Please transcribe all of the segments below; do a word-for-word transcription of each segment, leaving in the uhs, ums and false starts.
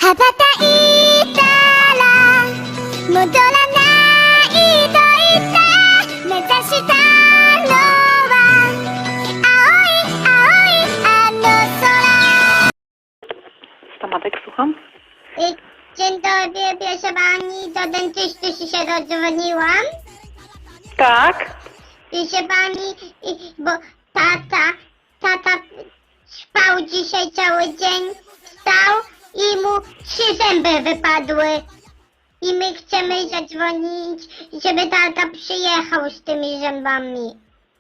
羽ばたいたら戻らないと言った目指したのは青い青いあの空。 Stomatek, słucham? Dzień dobry, proszę pani, do dentysty się dodzwoniłam. Tak. Proszę pani, bo tata, tata spał dzisiaj cały dzień, wstał i mu trzy zęby wypadły. I my chcemy zadzwonić, żeby tata przyjechał z tymi zębami.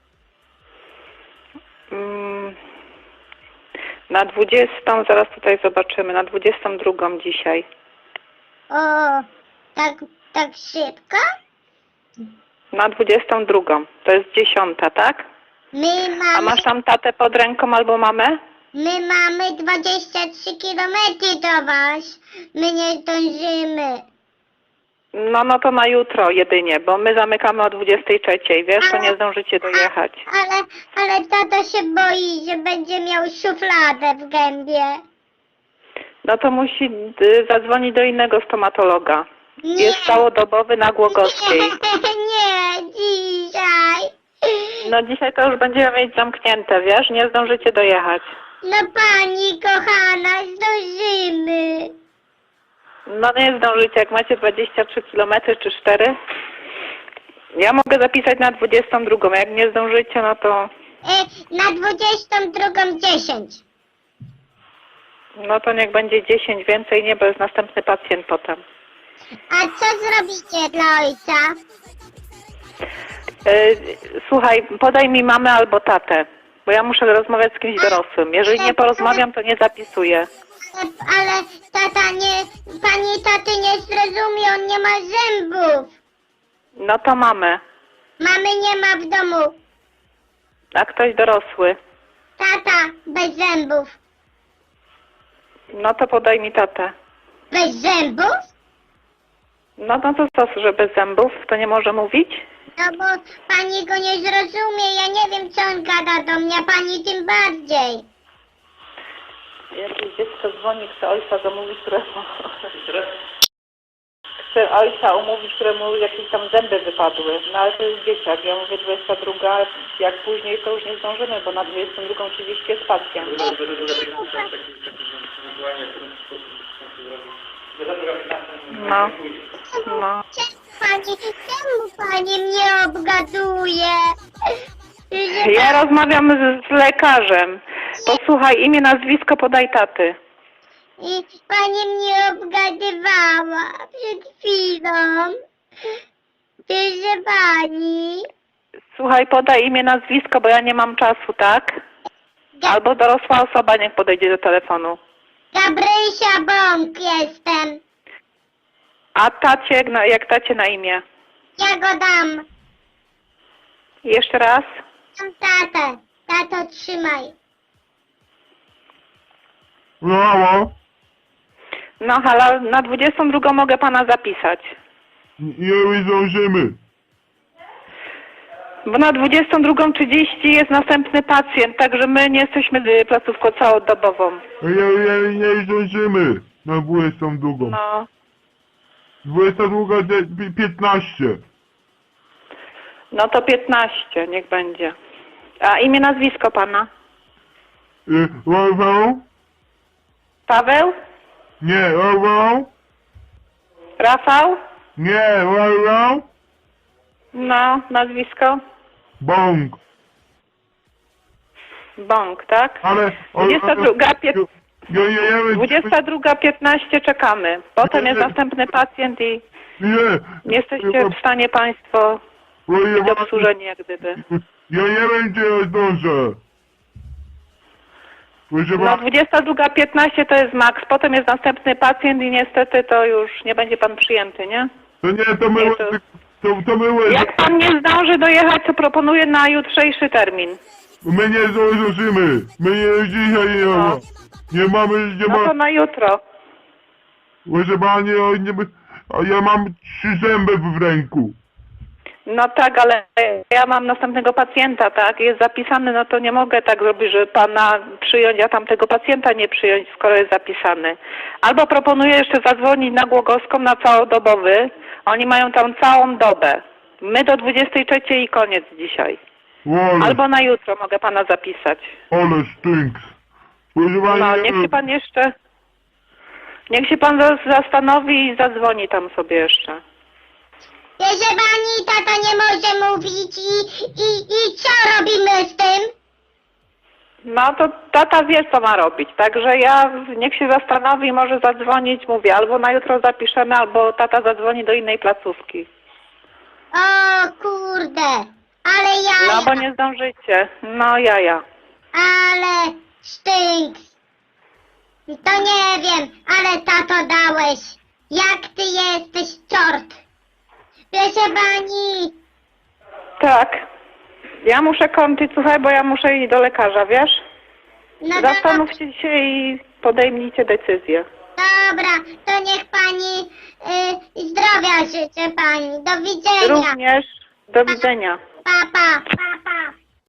Mm, na dwudziestą, zaraz tutaj zobaczymy, na dwudziestą drugą dzisiaj. O, tak, tak szybko? Na dwudziestą drugą, to jest dziesiąta, tak? My mamy, A masz tam tatę pod ręką albo mamę? my mamy dwadzieścia trzy kilometry do was. My nie zdążymy. No, no to na jutro jedynie, bo my zamykamy o dwudziestej trzeciej, wiesz, to nie zdążycie dojechać. Ale, ale tata się boi, że będzie miał szufladę w gębie. No to musi y, zadzwonić do innego stomatologa. Nie. Jest całodobowy na Głogowskiej. Nie, dzisiaj. No dzisiaj to już będziemy mieć zamknięte, wiesz, nie zdążycie dojechać. No pani kochana, zdążymy. No nie zdążycie, jak macie dwadzieścia trzy kilometry czy cztery. Ja mogę zapisać na dwudziestą drugą, jak nie zdążycie, no to... E, na dwudziestą drugą dziesięć. No to niech będzie dziesięć, więcej nie, bo jest następny pacjent potem. A co zrobicie dla ojca? Yy, słuchaj, podaj mi mamę albo tatę, bo ja muszę rozmawiać z kimś dorosłym. Jeżeli nie porozmawiam, to nie zapisuję. Ale, ale tata nie, pani taty nie zrozumie, on nie ma zębów. No to mamę, Mamy nie ma w domu. a ktoś dorosły. Tata bez zębów. No to podaj mi tatę. Bez zębów? No, no to co, że bez zębów, to nie może mówić? No bo pani go nie zrozumie, ja nie wiem co on gada do mnie, a pani tym bardziej. Jakieś dziecko dzwoni, chce ojca zamówić, któremu... Chce ojca umówić, któremu jakieś tam zęby wypadły. No ale to jest dzieciak. Ja mówię dwudziesta druga, jak później to już nie zdążymy, bo na dwudziestą drugą trzydzieści jest pacjent. No, no. Pani, czemu pani mnie obgaduje? Że Ja rozmawiam z, z lekarzem. Posłuchaj, imię, nazwisko, podaj taty. I pani mnie obgadywała przed chwilą. Proszę pani. Słuchaj, podaj imię, nazwisko, bo ja nie mam czasu, tak? Ga- Albo dorosła osoba niech podejdzie do telefonu. Gabrysia Bąk jestem. A tacie, no, jak tacie na imię? Ja go dam. Jeszcze raz? Dam tatę. Tato, trzymaj. Brawo! No halo, na dwudziestą drugą mogę pana zapisać. Nie zdążymy. Bo na dwudziestą drugą trzydzieści jest następny pacjent, także my nie jesteśmy y, placówką całodobową. Ja, ja, nie zdążymy na dwudziestą drugą. No, dwudziesta druga piętnaście. no to piętnaście, niech będzie. A imię, nazwisko pana? Y, Rafał? Paweł? Nie, Rafał? Rafał? Nie, Rafał? No, nazwisko? Bąk. Bąk, tak? Ale... dwudziesta druga, pię- Ja, ja, ja, ja, dwudziesta druga piętnaście czekamy. Potem jest następny pacjent i Nie. nie jesteście w stanie państwo być obsłużeni jak gdyby. Ja nie wiem, czy ja zdążę. Proszę No pana, dwudziesta druga piętnaście to jest maks, potem jest następny pacjent i niestety to już nie będzie pan przyjęty, nie? to nie, to my... Nie, to- To, to my... Jak pan nie zdąży dojechać, to proponuję na jutrzejszy termin. My nie zdążymy. My nie dzisiaj nie ma. No. Nie mamy, nie No to ma. na jutro. Proszę pani, o, nie, a ja mam trzy zęby w ręku. No tak, ale ja mam następnego pacjenta, tak? Jest zapisany, no to nie mogę tak zrobić, że pana przyjąć, a tamtego pacjenta nie przyjąć, skoro jest zapisany. Albo proponuję jeszcze zadzwonić na Głogowską na całodobowy. Oni mają tam całą dobę. My do dwudziestej trzeciej i koniec dzisiaj. Ale, Albo na jutro mogę pana zapisać. ale stinks. Proszę pani, No, niech się pan jeszcze... Niech się pan zas- zastanowi i zadzwoni tam sobie jeszcze. Proszę pani, tata nie może mówić i, i, i co robimy z tym? No to tata wie, co ma robić, także ja niech się zastanowi, może zadzwonić, mówię, albo na jutro zapiszemy, albo tata zadzwoni do innej placówki. O kurde, ale jaja, No bo nie zdążycie. No jaja. ale sztynks. To nie wiem, ale tato dałeś. Jak ty jesteś czort. Proszę pani, Tak. Ja muszę kończyć, słuchaj, bo ja muszę iść do lekarza, wiesz? no dobra, Zastanówcie się i podejmijcie decyzję. dobra, to niech pani y, zdrowia życzę pani. Do widzenia. Również do widzenia. Pa, pa.